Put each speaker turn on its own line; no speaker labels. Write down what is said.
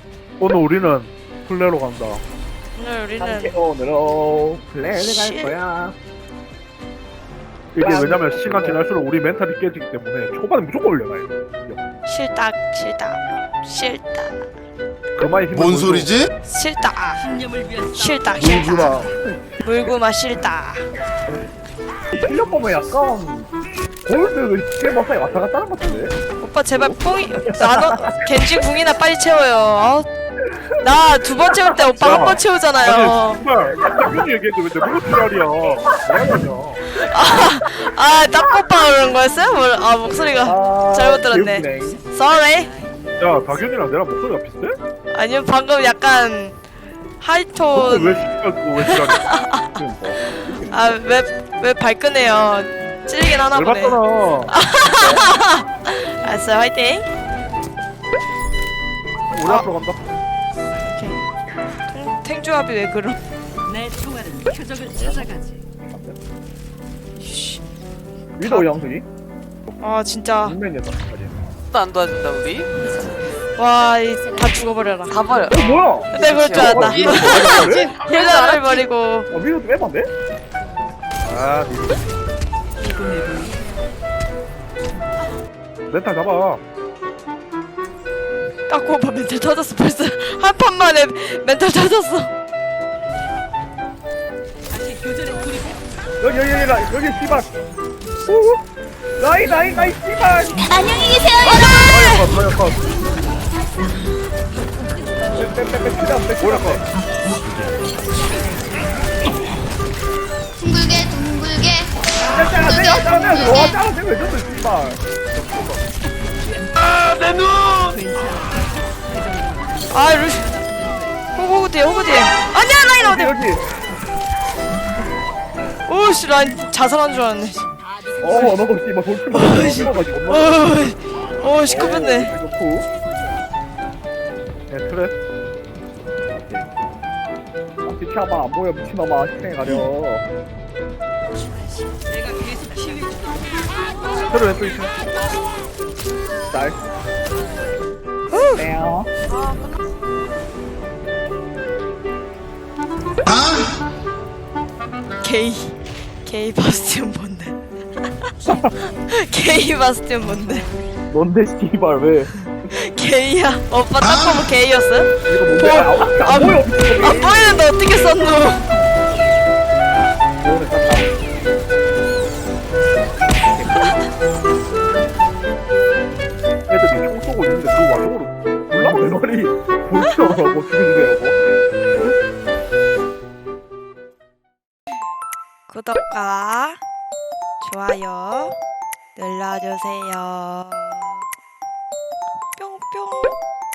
오늘 우리는 플레로 간다.
오늘 우리는
오늘은 플레이를 갈 거야.
이게 왜냐면 시간 지날수록 우리 멘탈이 깨지기 때문에 초반에 무조건 올려놔요.
싫다 싫다 싫다
그만이 힘을
뭔
보여줘.
소리지?
싫다 싫다
물구나.
싫다 물구마 싫다.
실력 보면 약간 골드 실버사이 왔다 갔다 하는 것 같은데?
오빠 제발 뽕이 나눠 겐지 궁이나 빨리 채워요. 나 두 번 채울 때 오빠 한 번 채우잖아요.
아니 정말 당연히 얘기했는데 왜 무슨 지랄이야. 뭐하냐.
아 딱 오빠 그런 거였어요? 아 목소리가 잘못 들었네.
개웃기네.
Sorry.
야 박윤이랑 내랑 목소리가 비슷해?
아니요 방금 약간 하이톤.
왜 시끄럽고 왜 지랄이야.
그러니까.
아왜 발끈해요. 찔리긴 하나 보네.
열받잖아.
알았어요 화이팅.
우리 앞으로 간다.
탱조합이 왜 그럼?
내 총알은 표적을 찾아가지.
위도우 영순이?
아 진짜
인맨이었다.
안 도와준다 우리?
와 다 죽어버려라.
다 버려.
뭐야?
내가 그럴 줄 알았다.
그래?
힐러를 버리고.
위도우 좀 해봤네?
아 멘탈 잡아.
딱 오빠 멘탈 터졌어 벌써 한 판 만에 멘탈 터졌어.
다시 교전에 돌입해.
여기 씨발. 나이 씨발.
컷. 뭐야 컷.
둥글게
와 짜증 왜 줬어 씨발.
아 루시 호구 뒤에 아니야 라인 어디.
여기.
오씨 라인 자살한 줄 알았네.
너도 씨발 돌출.
오 시끄럽네.
네 트랩.
비켜봐 안 보여 미친놈아 시행해 가려.
내가 계속 치유.
트랩 왼쪽 있어.
날. 네요.
게이 바스티온 뭔데? 게이 바스티온 뭔데?
뭔데 씨발 왜?
게이야. 오빠 딱 보면 게이였어요?
이거 뭔데? 안 보여 미친놈이.
안 보이는데 어떻게 썼노?
오늘 쌌다. 애들이 총 쏘고 있는데 그 와중으로 올라오는 말이 볼치더라고 죽여주세요.
구독과 좋아요 눌러주세요. 뿅뿅.